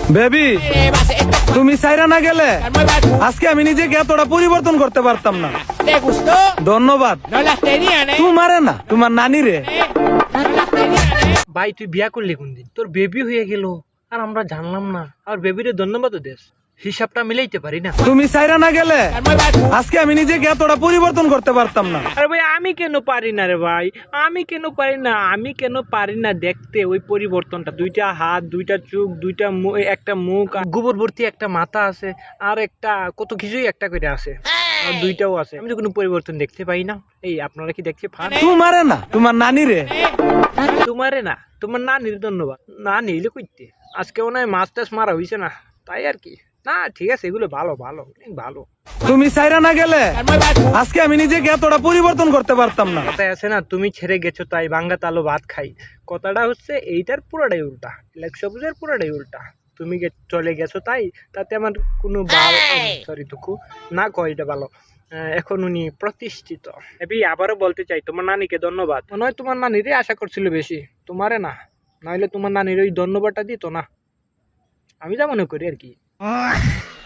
Baby, তুমি চাইরা না গেলে আজকে আমি নিজেকে এতটা পরিবর্তন করতে পারতাম না। ¿Te gustó? ধন্যবাদ। No las tenían, ¿eh? তোমারে না, তোমার নানি রে। No las tenían, ¿eh? ভাই তুই বিয়া করলি কোন দিন? তোর বেবি হয়ে গেল আর আমরা জানলাম না। আর বেবিরে ধন্যবাদও দেস, হিসাবটা মিলাইতে পারি না। তুমি চাইরা না গেলে আজকে আমি নিজেকে এতটা পরিবর্তন করতে পারতাম না। আরে ভাই আমি কেন পারি না রে ভাই, আমি কেন পারি না, আমি কেন পারি না দেখতে ওই পরিবর্তনটা? দুইটা হাত, দুইটা চোখ, একটা মুখ, গোবর ভর্তি একটা মাথা আছে, আর একটা কত কিছুই একটা করে আছে, আর দুইটাও আছে। আমি তো কোনো পরিবর্তন দেখতে পাই না। এই আপনারা কি দেখতে পান? তোমারে না, তোমার নানি রে। তোমারে না, তোমার নানির ধন্যবাদ। না নিলে কইতে আজকে মনে হয় মাছ টাছ মারা হইছে না, তাই আর কি। না ঠিক আছে, এগুলো ভালো ভালো অনেক ভালো। তুমি চাইরা না গেলে আজকে আমি নিজেকে এতটা পরিবর্তন করতে পারতাম না। কথায় আছে না, তুমি ছেড়ে গেছো তাই ভাঙ্গা তালো ভাত খাই। কথাটা হচ্ছে এইটার পুরোটাই উল্টা, লেগ সবুজের পুরোটাই উল্টা। তুমি চলে গেছো তাই, তাতে আমার কোনো সরি দুঃখু না কয়, এটা ভালো। এখন উনি প্রতিষ্ঠিত। এবি আবারও বলতে চাই, তোমার নানিকে ধন্যবাদ। মনে হয় তোমার নানিরই আশা করছিল বেশি, তোমারে না। নইলে তোমার নানির ওই ধন্যবাদটা দিত না, আমি যা মনে করি আর কি।